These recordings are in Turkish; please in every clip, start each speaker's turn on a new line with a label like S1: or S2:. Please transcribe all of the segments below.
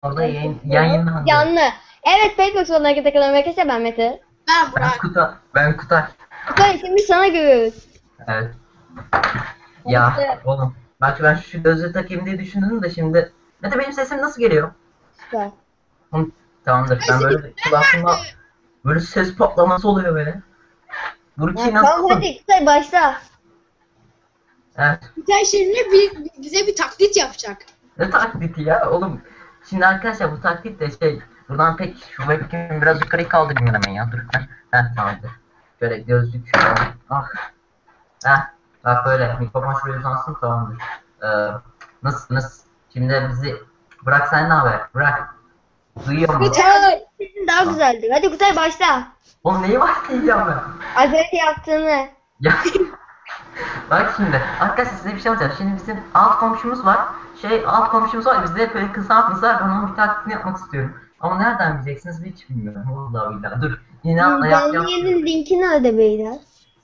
S1: Orada yayınlandı.
S2: Canlı. Evet, Paybox sonuna hareket kalan arkadaşlar, ben Mete.
S3: Ben Burak.
S1: Ben Kutay.
S2: Kutay, şimdi sana görüyoruz.
S1: Evet. Ya
S2: Evet.
S1: oğlum. Bak ben şu gözlüğü takayım diye düşündüm de şimdi. Mete benim sesim nasıl geliyor?
S2: Süper.
S1: Hı, tamamdır. Ben böyle kulağımda böyle ses patlaması oluyor böyle. Burki
S2: Ya, tamam
S1: nasılsın?
S2: hadi Kutay başla.
S1: Evet.
S3: Güzel şimdi bize bir taklit yapacak.
S1: Ne taklidi ya oğlum. Şimdi arkadaşlar bu taklit de buradan pek şu webcam'i biraz yukarı kaldırayım hemen ya. Dur. Heh tamamdır. Şöyle gözlük. Ah. Heh. Bak böyle mikrofon şuraya uzansın tamamdır. Nasılsınız? Şimdi bizi bırak sen ne haber? Bırak. Duyuyor musun?
S3: Kutay.
S2: Sesin daha güzeldi. Hadi Kutay başla.
S1: Oğlum neyi var diyeceğim ben?
S2: Az önce yaptığını.
S1: Ya. Bak şimdi arkadaşlar size bir şey anlatacağım. Şimdi bizim alt komşumuz var. Alt komşumuz var. Bizde hep böyle kısaltması var. Ben onun bir taklidini yapmak istiyorum. Ama nereden bileceksiniz hiç bilmiyorum. Vallahi billahi. Dur. Yine atla yap.
S2: Canlı yayının linki nerede beyler?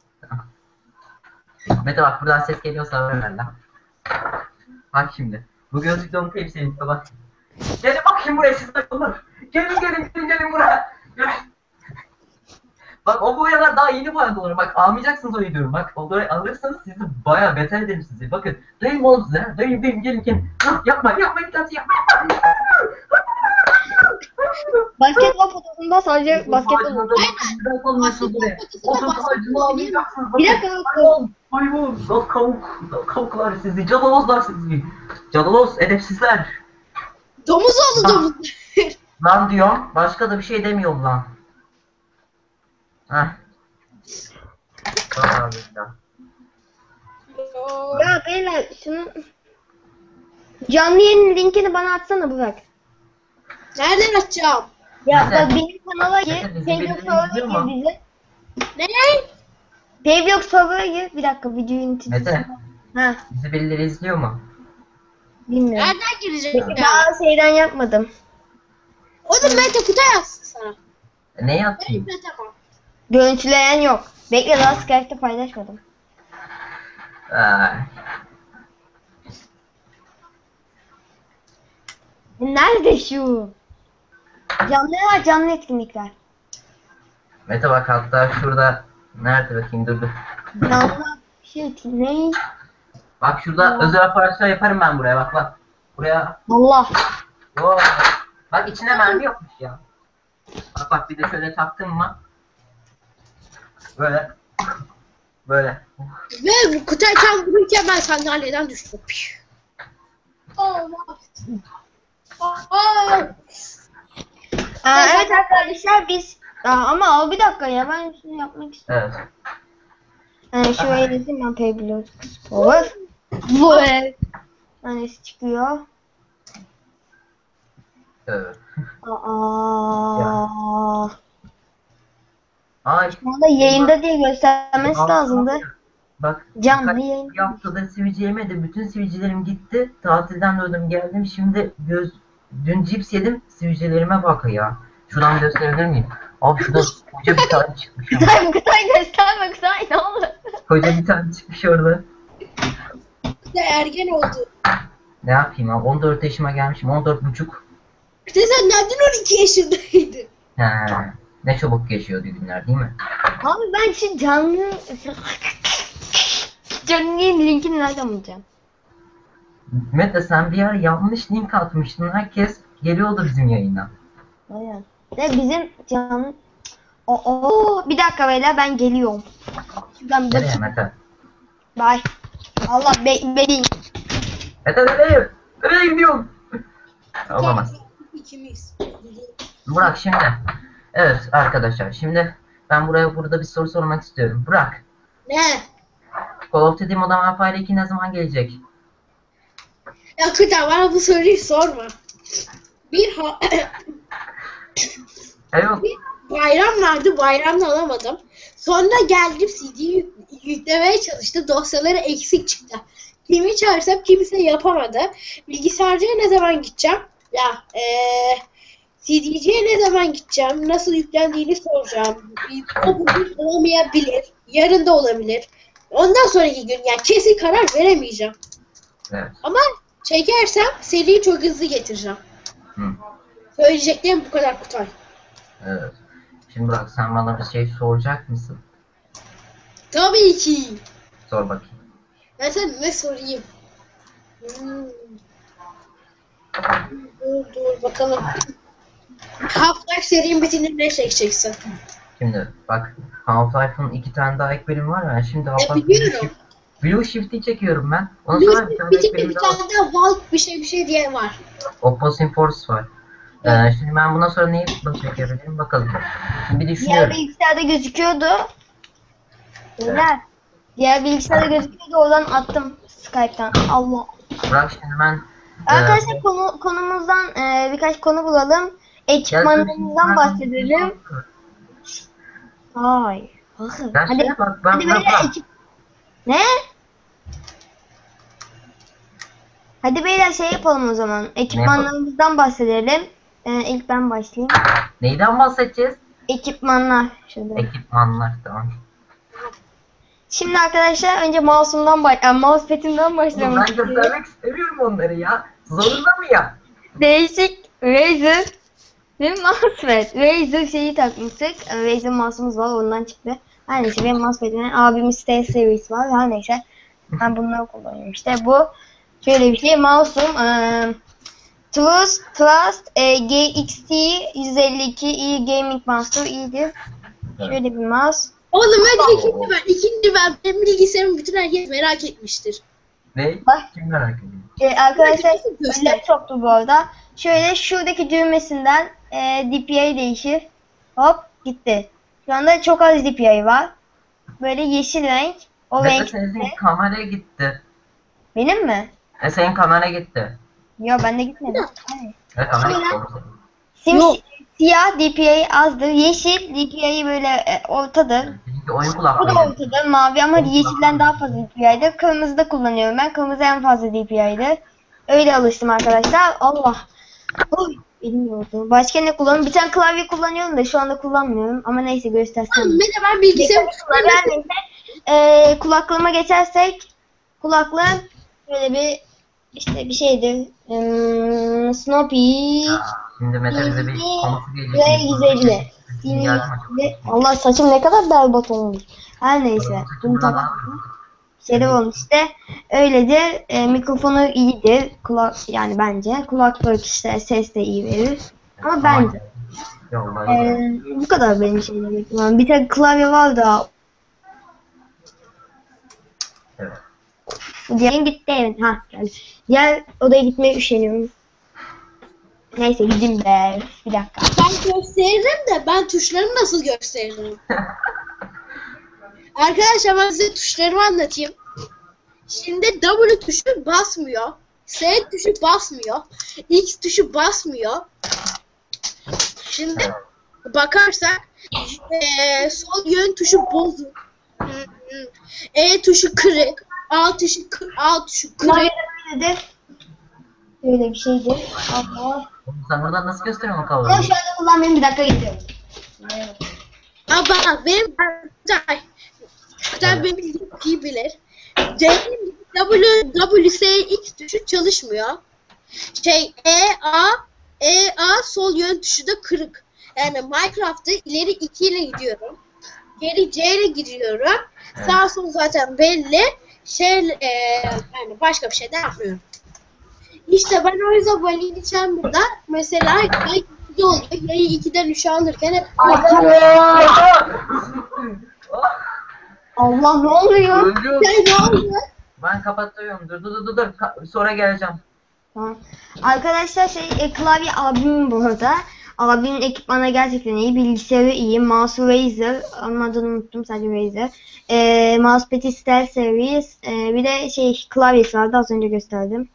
S1: Mete bak buradan ses geliyorsa ver lan. Bak şimdi. Bu gözlükle unutayım senin bak. Gelin bakayım buraya siz takılır. Gelin buraya. Gel. Bak o boyalar daha yeni boyadılar. Bak almayacaksınız o diyorum. Bak o boyayı alırsanız sizi bayağı beter ederim sizi. Bakın. Dayım oğlum size. Dayım gelin. Yapma bir tanesi yapma.
S2: Basketbol potasında sadece basketbol. Bir dakika.
S1: Hayvan, kavuklar sizi, cadalozlar sizi. Cadaloz, edepsizler.
S3: Domuz oldu domuz.
S1: Lan diyorum, başka da bir şey demiyorum lan. Heh. Tamam ya.
S2: Ya beyler şunu... Canlı yayının linkini bana atsana Burak.
S3: Nereden açacağım?
S2: Ya
S1: Mete,
S2: bak benim kanala gir.
S1: Mete, bizi
S2: Paybox
S1: birileri
S2: server'a
S1: izliyor
S2: gir
S1: mu?
S2: bizi.
S3: Ne?
S2: Paybox server'a gir. Bir dakika videoyu
S1: Mete,
S2: Ha,
S1: bizi birileri izliyor mu?
S2: bilmiyorum.
S3: Nereden gireceğim ya?
S2: Daha şeyden yapmadım.
S3: Oğlum Mete Kutay yazsın sana.
S1: Ne yapayım?
S3: Mete bak.
S2: Görüntüleyen yok. Bekle, daha Skype'te paylaşmadım.
S1: Ay.
S2: Nerede şu? Canlı etkinlikler.
S1: Mete bak hatta şurada, nerede bakayım dur.
S2: Canlı ne?
S1: Bak şurada özel operasyon yaparım ben buraya bak. Buraya.
S2: Allah.
S1: Oo. Bak içine mermi yokmuş ya. Bak bir de şöyle taktım mı? Böyle.
S3: Ve Kutay tam vururken ben sandalyeden düştüm.
S2: Evet arkadaşlar biz... ama bir dakika ya, ben şunu yapmak istiyorum.
S1: Evet.
S2: Şuraya yazayım ben Paybox Power. Bu ev. Tanesi çıkıyor.
S1: Evet. Ay.
S2: Şu anda yayında diye göstermesi lazımdı.
S1: Bak.
S2: Canlı yayın.
S1: Bir haftada sivilce yemedi. Bütün sivilcelerim gitti. Tatilden döndüm geldim. Şimdi dün cips yedim. Sivilcelerime bak ya. Şuradan gösterebilir miyim? Abi şurada koca bir tane çıkmış.
S2: Kutay gösterme Kutay, ne olur.
S1: Koca bir tane çıkmış orada.
S3: Kutay ergen oldu.
S1: Ne yapayım abi? 14 yaşıma gelmişim. 14,5.
S3: Kutay sen neden 12 yaşındaydın?
S1: He. Ne çabuk geçiyordu günler değil mi?
S2: Abi ben şu canlı yayın linkini nereden bulacağım?
S1: Mete sen bir ara yanlış link atmıştın. Herkes geliyordu bizim yayına.
S2: Aynen. Ve bizim canlı... bir dakika beyler, ben geliyorum. Şuradan
S1: Nereye
S2: bakayım.
S1: Mete?
S2: Bye. Allah bekleyin.
S1: Mete nereye? Nereye gidiyorsun? Olamaz.
S3: İkimiz.
S1: Burak şimdi. Evet arkadaşlar şimdi ben burada bir soru sormak istiyorum. Burak.
S3: Ne?
S1: Call of Duty Modern Warfare 2 ne zaman gelecek?
S3: Ya Kutay bana bu soruyu sorma.
S1: Evet.
S3: Bir bayram vardı, bayramda alamadım. Sonra geldim CD'yi yüklemeye çalıştım. Dosyaları eksik çıktı. Kimi çağırsam kimse yapamadı. Bilgisayarcıya ne zaman gideceğim? Ya CD'ciye ne zaman gideceğim? Nasıl yüklendiğini soracağım. O bugün olamayabilir. Yarın da olabilir. Ondan sonraki gün yani kesin karar veremeyeceğim.
S1: Evet.
S3: Ama çekersem seriyi çok hızlı getireceğim.
S1: Hı.
S3: Söyleyeceklerim bu kadar Kutay.
S1: Evet. Şimdi bak sen bana bir şey soracak mısın?
S3: Tabii ki.
S1: Sor bakayım.
S3: Ben sana ne sorayım? Hmm. Dur bakalım. Half-Life serinin bitince ne çekeceksin?
S1: Şimdi bak Half-Life'ın 2 tane daha ek bölümü var ya. Şimdi
S3: biliyorum.
S1: Blue Shift'i çekiyorum ben. Ondan sonra bir tane ek
S3: Bitince
S1: bölüm
S3: bir
S1: daha var.
S3: tane daha Valk bir şey diye var.
S1: Opposing Force var.
S3: Evet.
S1: Şimdi ben bundan sonra neyi çekebilirim bakalım. Şimdi bir
S2: Diğer
S1: düşünüyorum.
S2: bilgisayarda gözüküyordu.
S1: Evet.
S2: Beyler. Diğer bilgisayarda gözüküyordu. Oradan attım Skype'tan. Allah.
S1: Bırak şimdi ben
S2: Arkadaşlar konumuzdan birkaç konu bulalım. Ekipmanlarımızdan bahsedelim. Hayır. Bakın.
S1: Ya
S2: Hadi.
S1: şeye bak, ben
S2: Hadi beyler ekip. Ne? Hadi beyler şey yapalım o zaman. Ekipmanlarımızdan bahsedelim. İlk ben başlayayım.
S1: Neyden bahsedeceğiz?
S2: Ekipmanlar. Şurada.
S1: Ekipmanlar, tamam.
S2: Şimdi arkadaşlar önce mousepad'imden başlamak
S1: Ben
S2: istiyorum.
S1: göstermek istemiyorum onları ya. Zorunda mı ya?
S2: Değişik Razer ve mousepad. Razer şeyi takmıştık. Razer mouse'umuz var, ondan çıktı. Her neyse benim mousepad'imden abimin Stay Series var. Her neyse ben bunları kullanıyorum. İşte bu şöyle bir şey. Mouse'um Trust GXT 152i Gaming Master iyidir. Şöyle bir mouse.
S3: Oğlum hadi ikinci ben. Benim bilgisayarımı bütün herkes merak etmiştir.
S1: Ne?
S2: Bak.
S1: Kim merak ediyor?
S2: Arkadaşlar
S3: Göster.
S2: laptoptu bu arada. Şöyle şuradaki düğmesinden DPI değişir. Hop gitti. Şu anda çok az DPI var. Böyle yeşil renk. O
S1: Mete
S2: renk.
S1: senin kameraya gitti.
S2: Benim mi?
S1: Senin kamera gitti.
S2: Yok bende gitmedi. Hayır.
S1: Evet, kamera
S2: Şöyle.
S1: gitti.
S3: Yok.
S2: Siyah DPI azdır. Yeşil DPI böyle ortadır.
S1: Seninki oyun
S2: Bu
S1: kulaklığı.
S2: da ortada mavi ama yeşilden daha fazla DPI'dir. Kırmızı da kullanıyorum ben. Kırmızı en fazla DPI'dir. Öyle alıştım arkadaşlar. Allah. Oy, elim yordu. Başka ne kullanıyorum? Bir tane klavye kullanıyorum da şu anda kullanmıyorum. Ama neyse göstersem.
S3: Mete ben bilgisayarımı
S2: Her neyse. Kulaklığıma geçersek kulaklığım böyle bir işte bir şeydir. Snoopy.
S1: Şimdi Mete bize bir konusu gelecek.
S2: Ve 150. Allah saçım ne kadar berbat olmuş. Her neyse. Bunu takalım. Şey olmuş işte. Öyledir. Mikrofonu iyidir. Yani bence. Kulaklık işte ses de iyi verir. Ama bence. Bu kadar benim şeylerim. Bir tek klavye var da.
S1: Evet.
S2: Diğer gitti evet. Ha geldi. Diğer odaya gitmeye üşeniyorum. Neyse gideyim be. Bir dakika.
S3: Ben gösteririm de ben tuşlarımı nasıl gösteririm? Arkadaşlar ben size tuşlarımı anlatayım. Şimdi W tuşu basmıyor. S tuşu basmıyor. X tuşu basmıyor. Şimdi bakarsak sol yön tuşu bozuk. E tuşu kırık. A tuşu kırık.
S2: Böyle bir şeydi. Allah.
S1: Sen buradan nasıl gösteriyorsun o
S2: Ama
S1: kamerayı?
S2: şu anda kullanmayayım, bir dakika gidiyorum.
S3: Ama benim Kutay benim bildiğim iyi bilir. C'nin WSX tuşu çalışmıyor. E A sol yön tuşu da kırık. Yani Minecraft'ta ileri 2 ile gidiyorum. Geri C ile gidiyorum. Sağ sol zaten belli. Yani başka bir şey de yapmıyorum. İşte ben o yüzden Valini Chamber'da mesela yayı 2'de oluyor. Yayı 2'den 3'e alırken hep
S2: Allah ne oluyor?
S1: Öldüm.
S3: ne oldu?
S1: Ben kapatıyorum. Dur. Sonra geleceğim.
S2: Tamam. Arkadaşlar klavye abimin bu arada. Abimin ekipmanı gerçekten iyi. Bilgisayarı iyi. Mouse Razer. Ama adını unuttum, sadece Razer. Mousepad'i Stealth Series. Bir de klavyesi vardı, az önce gösterdim.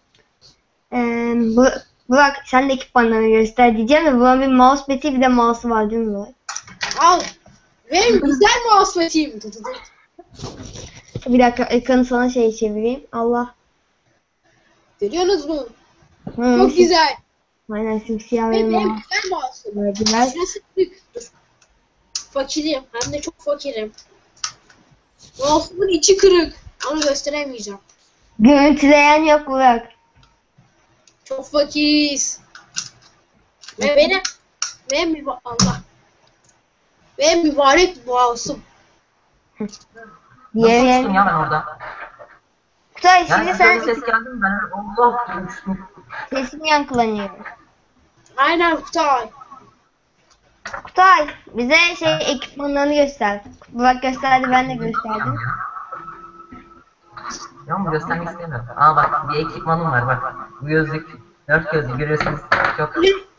S2: Burak sen de ekipmanlarını göster diyeceğim de Burak'ın bir mousepad'i bir de mouse'u var değil mi Burak?
S3: Al. Benim güzel mousepad'im.
S2: Bir dakika ekranı sana çevireyim. Allah.
S3: Görüyorsunuz mu?
S2: Hı,
S3: Çok güzel.
S2: Aynen simsiyah
S3: Ve
S2: ve
S3: benim
S2: mouse.
S3: güzel mouse'um.
S2: Verdiler.
S3: Şurası büyük. Dur. Fakirim. Hem de çok fakirim. Mouse'umun içi kırık. Onu gösteremeyeceğim.
S2: Görüntüleyen yok Burak.
S3: Çok fakiriz. Ve Allah. Ve mübarek mouse'um.
S1: Nasıl
S2: Diğer
S1: uçtum ya ben orada?
S2: Kutay
S1: Yani
S2: şimdi
S1: böyle
S2: sen
S1: bir ses geldi mi ben Allah diye uçtum.
S2: sesin yankılanıyor.
S3: Aynen Kutay.
S2: Kutay bize ekipmanlarını göster. Burak gösterdi, ben de gösterdim.
S1: Ya bunu göstermek istemiyorum. Aa bak bir ekipmanım var bak. Bu gözlük, 4 gözlük görüyorsunuz. Çok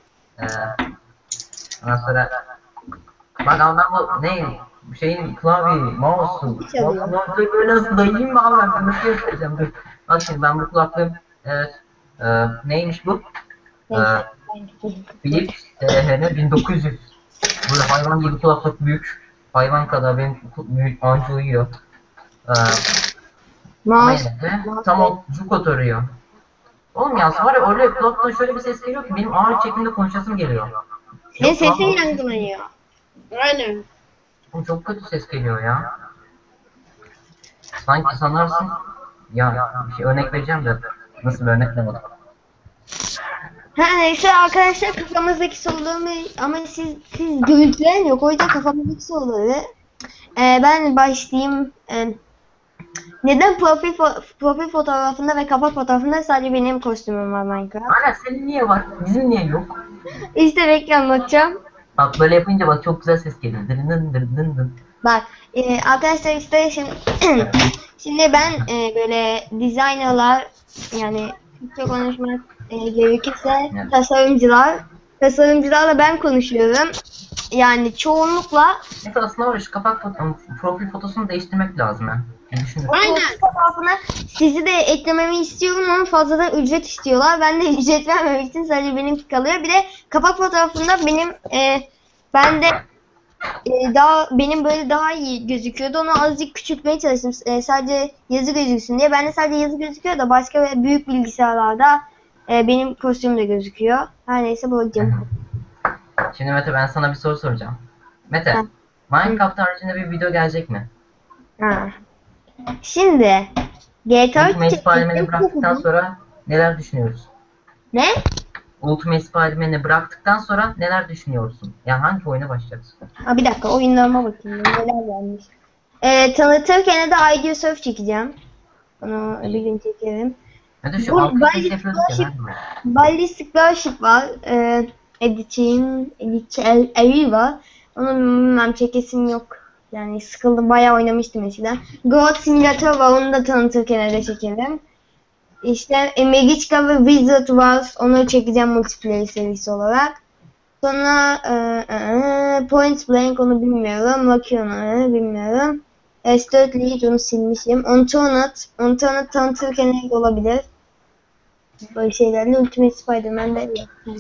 S1: ondan sonra bak ama ben bu ne? Bu şeyin klavye, mouse'u.
S2: Çalıyor.
S1: Kulaklığı böyle nasıl dayayım mı abi ben nasıl göstereceğim dur. Bak şimdi ben bu kulaklığım evet. Neymiş bu?
S2: Neyse.
S1: Philips THN 1900. Böyle hayvan gibi kulaklık büyük. Hayvan kadar benim büyük anca uyuyor. Ama
S2: Mouse.
S1: yine de tam o cuk oturuyor. Oğlum ya var ya öyle kulaktan şöyle bir ses geliyor ki benim ağır çekimde konuşasım geliyor.
S2: Senin
S1: Yok lan,
S2: sesin yankılanıyor.
S3: Aynen.
S1: oğlum çok kötü ses geliyor ya. Sanki sanarsın ya bir şey örnek vereceğim de nasıl bir örnek demedim.
S2: Ha neyse arkadaşlar, kafamızdaki soruları ama siz görüntülerin yok, o yüzden kafamızdaki soruları ben başlayayım. Neden profil fotoğrafında ve kapak fotoğrafında sadece benim kostümüm var Minecraft?
S1: Aynen senin niye var? Bizim niye yok?
S2: İşte bekle, anlatacağım.
S1: Bak böyle yapınca bak çok güzel ses geliyor. Dın dın dın dın dın.
S2: Bak arkadaşlar işte şimdi ben böyle designerlar, yani Türkçe konuşmak gerekirse
S1: Evet.
S2: tasarımcılarla ben konuşuyorum. Yani çoğunlukla
S1: Mesela aslında var ya, şu kapak profil fotosunu değiştirmek lazım ha. Düşünün.
S3: Aynen.
S2: fotoğrafına sizi de eklememi istiyorum ama fazladan ücret istiyorlar. Ben de ücret vermemek için sadece benimki kalıyor. Bir de kapak fotoğrafında ben de benim böyle daha iyi gözüküyordu. Onu azıcık küçültmeye çalıştım. Sadece yazı gözüksün diye. Bende sadece yazı gözüküyor da başka büyük bilgisayarlarda benim kostüm de gözüküyor. Her neyse babacığım.
S1: Şimdi Mete ben sana bir soru soracağım. Mete,
S2: Ha.
S1: Minecraft haricinde bir video gelecek mi?
S2: Ha. Şimdi GTA 3
S1: Ultimate Spider-Man'i
S2: çektim.
S1: bıraktıktan sonra neler düşünüyoruz?
S2: Ne?
S1: Ultimate Spider-Man'i bıraktıktan sonra neler düşünüyorsun? Yani hangi oyuna başlayacaksın?
S2: Ha, bir dakika oyunlarıma bakayım. Neler gelmiş. Tanıtırken de ID Surf çekeceğim. Onu bir gün çekerim.
S1: Mete şu
S2: Bu
S1: alt
S2: Ballistic
S1: ses yapıyorduk ya.
S2: Starship-
S1: nerede bu?
S2: Ballistic Starship var. Editçi var. Onu bilmem, çekesim yok. Yani sıkıldım. Bayağı oynamıştım eskiden. Goat Simulator var. Onu da tanıtırken de çekerim. İşte Magica ve Wizard var. Onu çekeceğim multiplayer serisi olarak. Sonra Point Blank, onu bilmiyorum. Bakıyorum, bilmiyorum. S4 Lead, onu silmişim. Unturned tanıtırken olabilir. Böyle şeylerle Ultimate Spider-Man'de yok.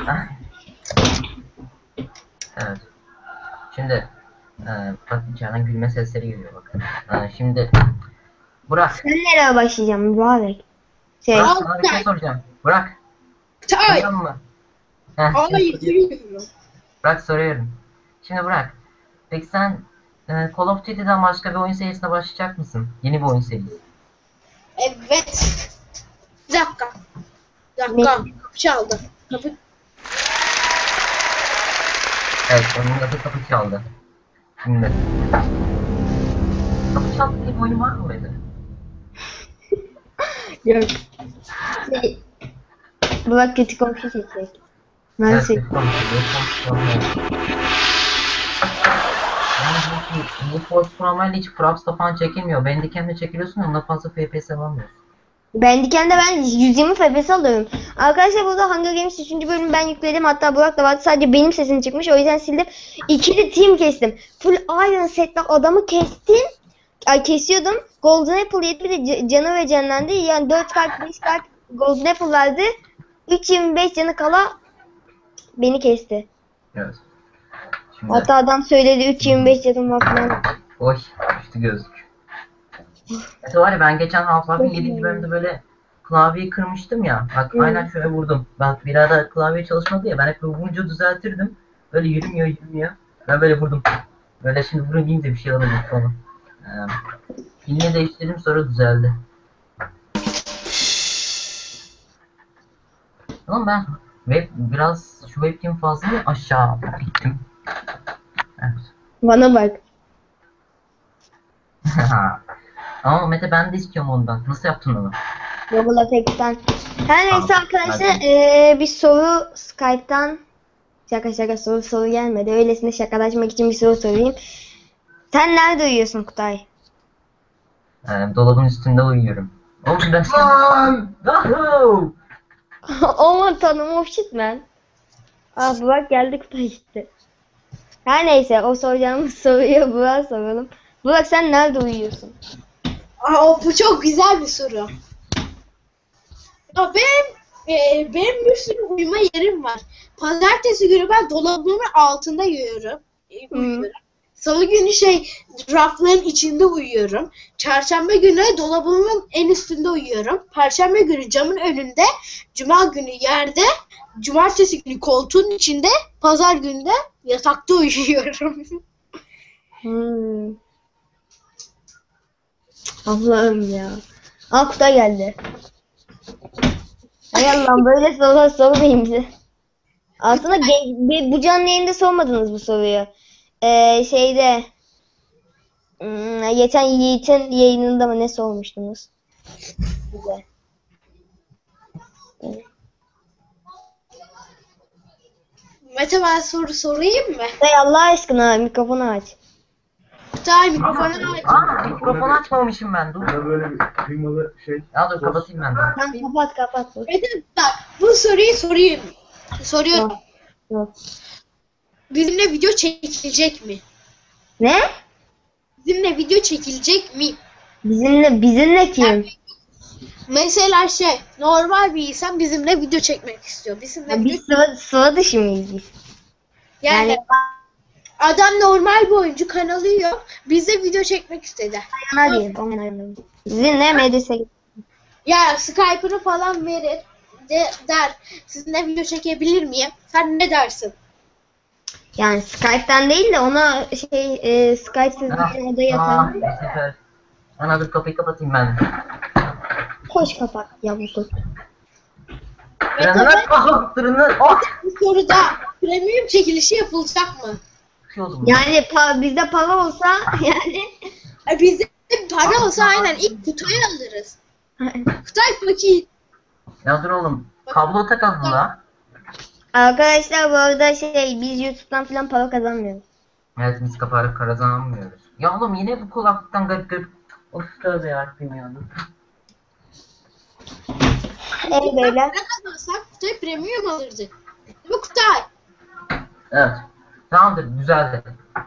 S1: Evet. Şimdi bak içeriden gülme sesleri geliyor bakın. Şimdi Burak.
S2: Sen nereye başlayacağım mübarek?
S1: Burak sana bir şey soracağım. Burak.
S3: Kutay.
S1: Duyuyor musun? Heh,
S3: Hayır, duymuyorum.
S1: Burak soruyorum. Şimdi Burak. Peki sen Call of Duty'den başka bir oyun serisine başlayacak mısın? Yeni bir oyun serisi.
S3: Evet. Bir dakika. Bir dakika. Kapı çaldı. Kapı.
S1: Evet, onun adı Kapı Çaldı. Şimdi. Kapı Çaldı diye bir oyun var mı böyle?
S2: Yok. Burak kötü komşu çekecek. Nasıl?
S1: Evet, yani bu Need for Speed Online hiç Fraps'ta falan çekilmiyor. Bandicam'de çekiliyorsun, ondan fazla FPS alamıyorsun.
S2: Bandicam'de ben 120 FPS alıyorum. Arkadaşlar burada Hunger Games 3. bölümü ben yükledim. Hatta Burak da vardı. Sadece benim sesim çıkmış. O yüzden sildim. İkili team kestim. Full Iron Set'le adamı kestim. Kesiyordum. Golden Apple yedi, bir de canı ve canlandı. Yani 4 kalp 5 kalp Golden Apple verdi. 3.25 canı kala beni kesti.
S1: Evet. Şimdi.
S2: Hatta adam söyledi 3.25 canım var falan.
S1: Oy, düştü gözlük. Mesela var ya ben geçen Half-Life'in 7. bölümde böyle klavyeyi kırmıştım ya. Bak aynen şöyle vurdum. Bak bir arada klavye çalışmadı ya, ben hep vurunca düzeltirdim. Böyle yürümüyor. Ben böyle vurdum. Böyle şimdi vurunca bir şey alamadım falan. Filmi değiştirdim sonra düzeldi. Oğlum ben Ve biraz şu webcam fazla mı aşağı gittim. Evet.
S2: Bana bak.
S1: Ama Mete ben de istiyorum ondan. Nasıl yaptın onu?
S2: Google Effects'ten. Her neyse
S1: Tamam,
S2: arkadaşlar bir soru Skype'tan şaka soru gelmedi. Öylesine şakalaşmak için bir soru sorayım. Sen nerede uyuyorsun Kutay?
S1: Dolabın üstünde uyuyorum. Oğlum ben Wahoo!
S2: Aman tanrım oh shit man. Ah Burak geldi Kutay gitti. Her neyse o soracağımız soruyu Burak'a soralım. Burak sen nerede uyuyorsun?
S3: Bu çok güzel bir soru. Ya benim bir sürü uyuma yerim var. Pazartesi günü ben dolabımın altında uyuyorum. Salı günü rafların içinde uyuyorum. Çarşamba günü dolabımın en üstünde uyuyorum. Perşembe günü camın önünde, cuma günü yerde, cumartesi günü koltuğun içinde, pazar günü de yatakta uyuyorum.
S2: Hmm. Allah'ım ya. Aa Kutay geldi. Hay Allah'ım böyle sorular sormayın bize. Aslında bu canlı yayında sormadınız bu soruyu. Şeyde geçen Yiğit'in yayınında mı ne sormuştunuz? Bize.
S3: Mete ben soru sorayım mı?
S2: Kutay Allah aşkına mikrofonu aç.
S3: Kutay mikrofonu aç.
S1: Mikrofonu açmamışım ben. Dur.
S4: Ya böyle bir kıymalı şey.
S1: Ya dur kapatayım ben de.
S2: Tamam kapat.
S3: Mete bak bu soruyu sorayım. Soruyorum.
S2: Yok.
S3: Bizimle video çekilecek mi?
S2: Ne?
S3: Bizimle video çekilecek mi?
S2: Bizimle kim?
S3: Mesela normal bir insan bizimle video çekmek istiyor. Bizimle
S2: Ya
S3: video
S2: biz sıra dışı mıyız biz?
S3: yani adam normal bir oyuncu kanalı yok. Bize video çekmek istedi.
S2: Yana değil. Ondan Bizimle medrese.
S3: Ya Skype'ını falan verir. Der. Sizinle video çekebilir miyim? Sen ne dersin?
S2: Yani Skype'ten değil de ona Skype'siz bir odaya atalım.
S1: Bu sefer. Ana dur kapıyı kapatayım ben.
S2: Koş kapat yavrusu.
S3: Bu soruda premium çekilişi yapılacak mı?
S2: Yani bizde para olsa yani.
S3: Bizde para olsa aynen ilk Kutay'ı alırız. Kutay fakir.
S1: Ya dur oğlum. Kablo takalım la.
S2: Arkadaşlar bu arada biz YouTube'dan falan para kazanmıyoruz.
S1: Evet biz kaparak kazanamıyoruz. Ya oğlum yine bu kulaklıktan garip. Of tövbe yarabbim ya.
S2: Evet beyler.
S3: Ne kazansak Kutay premium alırdı. Değil mi Kutay?
S1: Evet. Tamamdır düzeldi.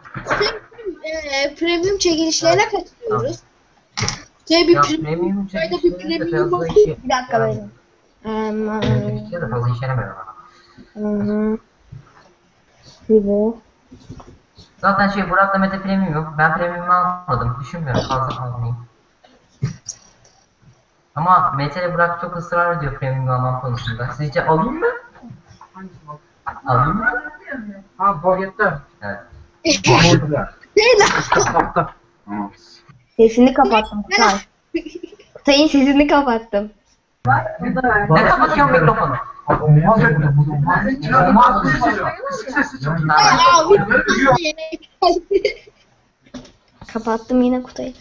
S3: Premium çekilişlerine katılıyoruz. Kutay bir
S1: Ya
S3: premium.
S1: premium
S3: Kutay'da bir
S1: çekişleri de
S3: premium
S1: fazla
S3: olsun.
S1: işe.
S2: Bir dakika böyle.
S1: Çekişleri de fazla işe yaramıyor bana.
S2: Gibi.
S1: Zaten Burak'la Mete premium yok. Ben premium'u almadım. Düşünmüyorum fazla almayayım. Ama Mete ile Burak çok ısrar ediyor premium almam konusunda. Sizce alayım mı? Alayım mı?
S4: Ha pakette.
S1: Evet.
S4: Paketler.
S3: Değil lan.
S4: Kapta.
S2: Sesini kapattım Kutay. Kutay'ın sesini kapattım.
S1: Ne kapatıyorsun mikrofonu?
S4: Olmaz ya. Olmaz.
S3: Ya bir
S2: Kapattım yine Kutay'ı.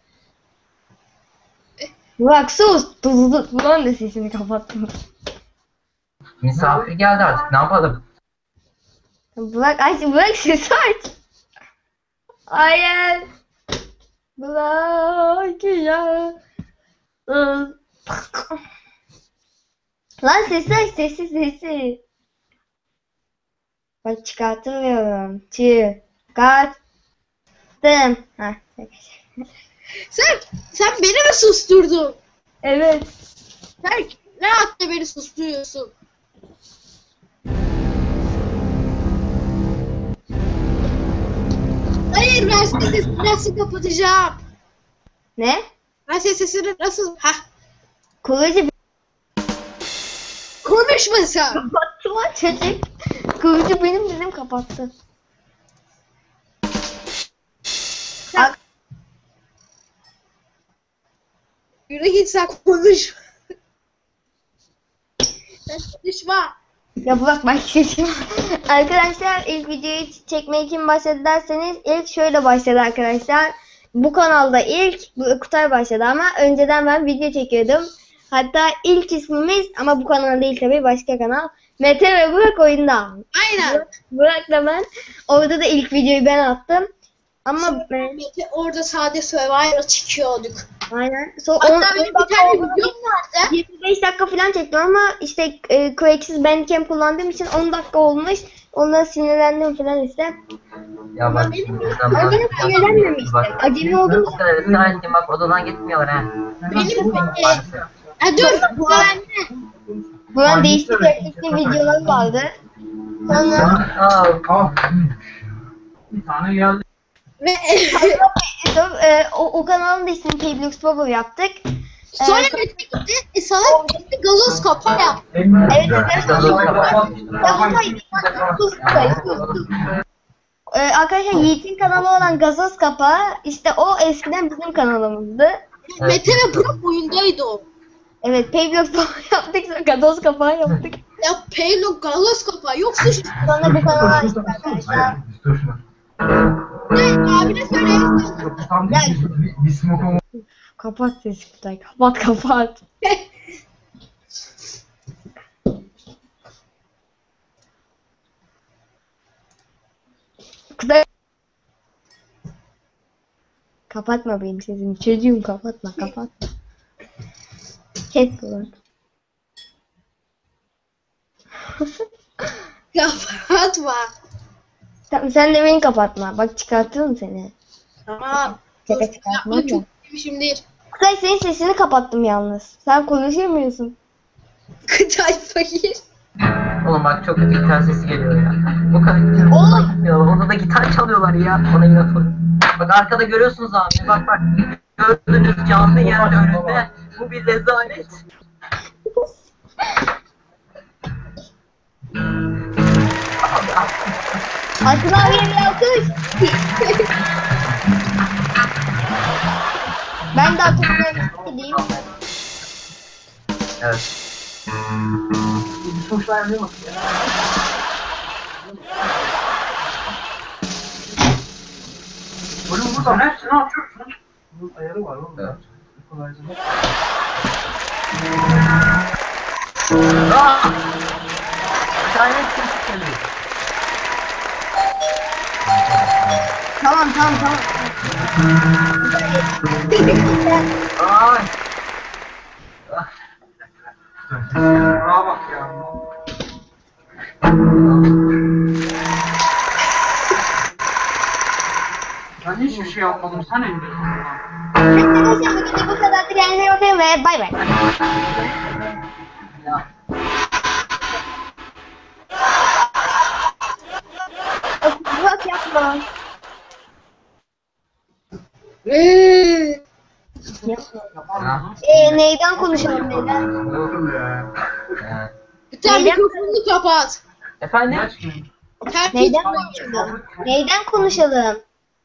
S2: Burak sus. Tuzlu bulan da sesini kapattım.
S1: Misafir geldi artık ne yapalım?
S2: Burak sesi aç. Hayır. Burak ya. Lan sesi aç sesi. Bak çıkartamıyorum. Çıkarttım. Heh.
S3: sen beni mi susturdun?
S2: Evet.
S3: Sen ne hakla beni susturuyorsun? Hayır ben senin sesini nasıl kapatacağım?
S2: Ne?
S3: Ben senin sesini nasıl...
S2: Kılıcı
S3: Konuşma sen.
S2: kapattı lan çocuk. Kılıcı benim dedim kapattı.
S3: Yürü git sen konuş. Sen konuşma.
S2: Ya bırak ben seçim. Arkadaşlar ilk videoyu çekmeye kim başladı derseniz ilk şöyle başladı arkadaşlar. Bu kanalda ilk Kutay başladı ama önceden ben video çekiyordum. Hatta ilk ismimiz ama bu kanal değil tabii başka kanal. Mete ve Burak oyunda.
S3: Aynen.
S2: Burak'la ben. Orada da ilk videoyu ben attım. Ama
S3: Mete orada sade Survivor'a çıkıyorduk.
S2: aynen.
S3: Hatta benim bir tane videom vardı.
S2: 25 dakika falan çektim ama işte Quake'siz Bandcamp kullandığım için 10 dakika olmuş. Ondan sinirlendim falan işte.
S1: Ya bak.
S2: Ama benim sinirlenmemiştim. Acemi oldum.
S1: Bu kadar ısrar ettim bak odadan gitmiyorlar ha.
S3: Benim
S1: Maalesef.
S3: dur.
S2: Buranın değişik teknikli videoları vardı. Sonra
S1: Aa,
S4: Bir tane geldi.
S3: Ve
S2: o kanalın da ismini Payblox Bubble yaptık.
S3: sonra Mete gitti. Sana gitti gazoz kapağı yaptı.
S2: Evet arkadaşlar Yiğit'in kanalı olan Gazoz Kapağı işte o eskiden bizim kanalımızdı.
S3: Mete ve Burak oyundaydı o.
S2: Evet Payblox Bubble yaptık sonra Gazoz Kapağı yaptık.
S3: Ya Paylo gazoz kapağı yoksa şu
S2: Sonra bu kanalı açtık arkadaşlar.
S3: ne abine söyleyeyim.
S4: Bir smoke olmadı.
S2: Kapat sesi Kutay. Kapat. Kutay. Kapatma benim sesimi. Çocuğum kapatma. Kes bunu.
S3: Kapatma.
S2: Tamam sen de beni kapatma. Bak çıkartıyorum seni.
S3: Tamam.
S2: Şaka çıkartma.
S3: Yapma çok demişim değil.
S2: Kutay senin sesini kapattım yalnız. Sen konuşamıyorsun.
S3: Kıtay fakir.
S1: oğlum bak çok kötü gitar sesi geliyor ya. Bu kadar oğlum gitmiyorlar. Orada da gitar çalıyorlar ya. Ona inat olun. Bak arkada görüyorsunuz abi. Bak. Gördüğünüz canlı yerde önünde. Bu bir rezalet.
S2: Atın abiye bir alkış. Ben de Atın abiye gideyim.
S1: Evet.
S4: Bir sonuçlar yapıyor musun? Oğlum burada hepsini açıyorsun. Bunun ayarı var oğlum.
S1: Evet.
S4: Kolayca.
S1: Bir tane kimse geliyor.
S2: Tamam.
S1: Ay.
S4: Aa bak ya. Ben hiçbir şey yapmadım. Sen emredin.
S2: Arkadaşlar bugün de bu kadardı. Kendinize iyi bakın ve bay bay.
S1: Ya.
S2: Bak yapma.
S1: Ha.
S2: Neyden konuşalım neyden?
S3: Bir tane
S2: Neyden?
S3: mikrofonunu kapat.
S1: Efendim?
S3: Terk et.
S2: Neyden konuşalım? Neyden konuşalım?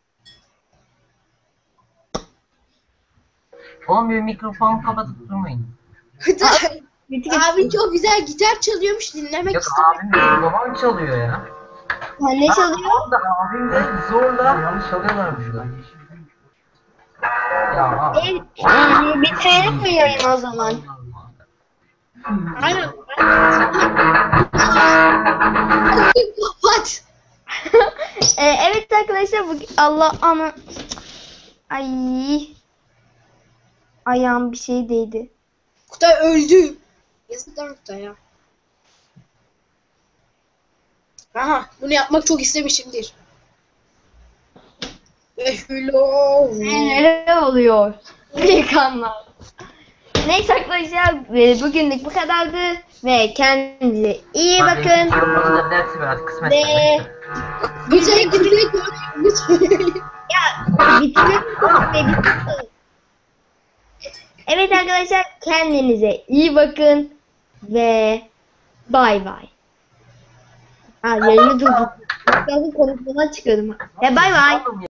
S1: Oğlum bir mikrofonu kapatıp durmayın.
S3: Kıtay.
S2: Bitti.
S3: Abi çok güzel gitar çalıyormuş dinlemek
S1: Yok
S3: istedim.
S1: abim benim babam çalıyor ya.
S2: Ne çalıyor?
S1: Tamam da abim de zorla çalıyorlar burada. Ya abi.
S2: Bitirelim mi yayını o zaman?
S3: Aynen. Kapat.
S2: Evet arkadaşlar Allah ana ay ayağım bir şey değdi.
S3: Kutay öldü. Yazık lan Kutay'a. Aha bunu yapmak çok istemişimdir. Hello.
S2: Neler oluyor? Pelikanlar. Neyse arkadaşlar bugünlük bu kadardı ve kendinize iyi bakın.
S1: Mikrofonu da dersi biraz kısmet.
S2: Ve
S3: Güzel güzel.
S2: ya bitiriyorum. Evet arkadaşlar kendinize iyi bakın ve bay bay. Yayını durdurdum. Konuşmadan çıkıyordum. Ve bay bay.